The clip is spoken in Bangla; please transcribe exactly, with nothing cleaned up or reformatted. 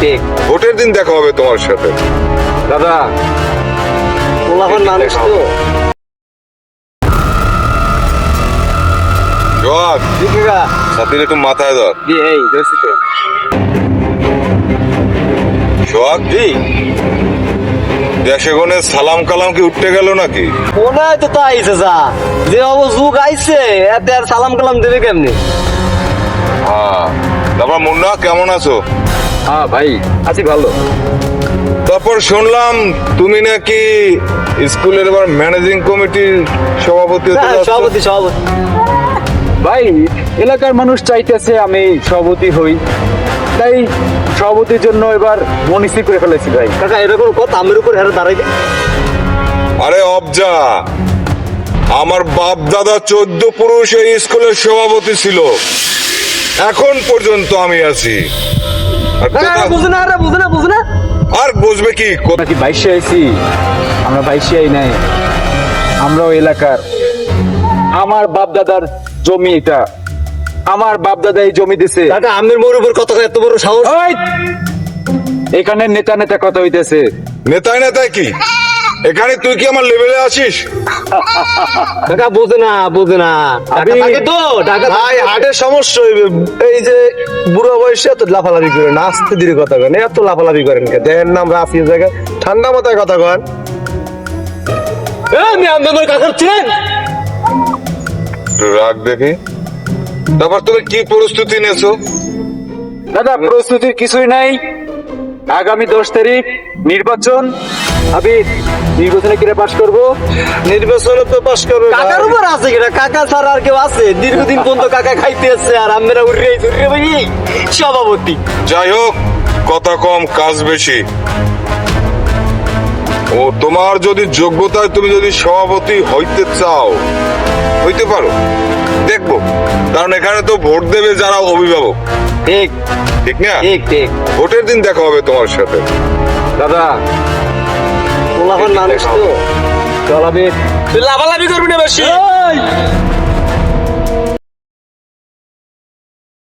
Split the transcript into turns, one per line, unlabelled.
ঠিক।
ভোটের দিন দেখা হবে তোমার সাথে।
দাদা পোলাপন মানুষ তো।
সোহাগ, সাথীর একটু মাথায় ধর।
জি এই ধরছি তো।
সোহাগ,
জি
দেশে গনে সালাম কালাম কি উঠতে গেল নাকি?
মনে হয় তো তাই যা যে অবো যুগ আইছে এতে আর সালাম কালাম দেবে কেমনি?
হ্যাঁ, তারপর মুন্না কেমন আছো?
হ্যাঁ ভাই আছি ভালো।
তারপর শুনলাম তুমি নাকি স্কুলের এবার ম্যানেজিং কমিটির সভাপতি হতে
হ্যাঁ,
যাচ্ছ।
সভাপতি সভাপতি।
ভাই এলাকার মানুষ চাইতেছে আমি সভাপতি হই, তাই সভাপতির জন্য এবার মনিস্থির করে ফেলেছি ভাই।
কাকা এরকম কথা আমের উপর হেরে দাঁড়াইবে?
আরে অবজা, আমার বাপ দাদা চোদ্দ পুরুষ এই স্কুলের সভাপতি ছিল, এখন পর্যন্ত আমি আছি। আর কোথা-
বুঝে না রে বুঝে না বুঝে না।
আর বুঝবে কি কোথা-
আমরা কি বাইশে আইছি? আমরা বাইশে আই নাই, আমরাও এলাকার। আমার বাপ দাদার জমি এটা, আমার বাপ দাদা এই জমি দিছে।
কাকা আমের মোর উপর কত এত বড় সাহস?
ওই! এখানে নেতা নেতা কথা হইতেছে।
নেতায় নেতায় কি এখানে তুই কি আমার লেভেলে আছিস?
কাকা বুঝে না বুঝে না।
আমি-
ঢাকা থাকে তো ঢাকা
ভাই হার্টের সমস্যা হইবে। এই যে বুড়ো বয়সে এত লাফালাফি করেন, আস্তে ধীরে কথা কন, এত লাফালাফি করেন কে? দেন নাম রাফি জায়গায় ঠান্ডা মাথায় কথা কন।
আমি আমার কাকার ছিলেন।
একটু রাগ দেখি। তারপর তুমি কি প্রস্তুতি নিয়েছো?
দাদা প্রস্তুতির কিছুই নাই। আগামী দশ তারিখ নির্বাচন, আমি নির্বাচনে কিরে পাশ করব।
নির্বাচনে তো পাস করবে ভাই।
কাকার উপর আছে কিনা? কাকা ছাড়া আর কেউ আছে? দীর্ঘদিন পর্যন্ত কাকা খাইতে আসছে আর আমরা উড়ে উড়ে ভাই সভাপতি।
যাই হোক, কথা কম কাজ বেশি। ও তোমার যদি যোগ্যতায় তুমি যদি সভাপতি হইতে চাও হইতে পারো, দেখবো। কারণ এখানে তো ভোট দেবে যারা অভিভাবক,
ঠিক
ঠিক না?
ঠিক ঠিক।
ভোটের দিন দেখা হবে তোমার সাথে।
দাদা
পোলাপন মানুষ তো।
চল আমি
তুই লাভালাভি করবি না বেশি।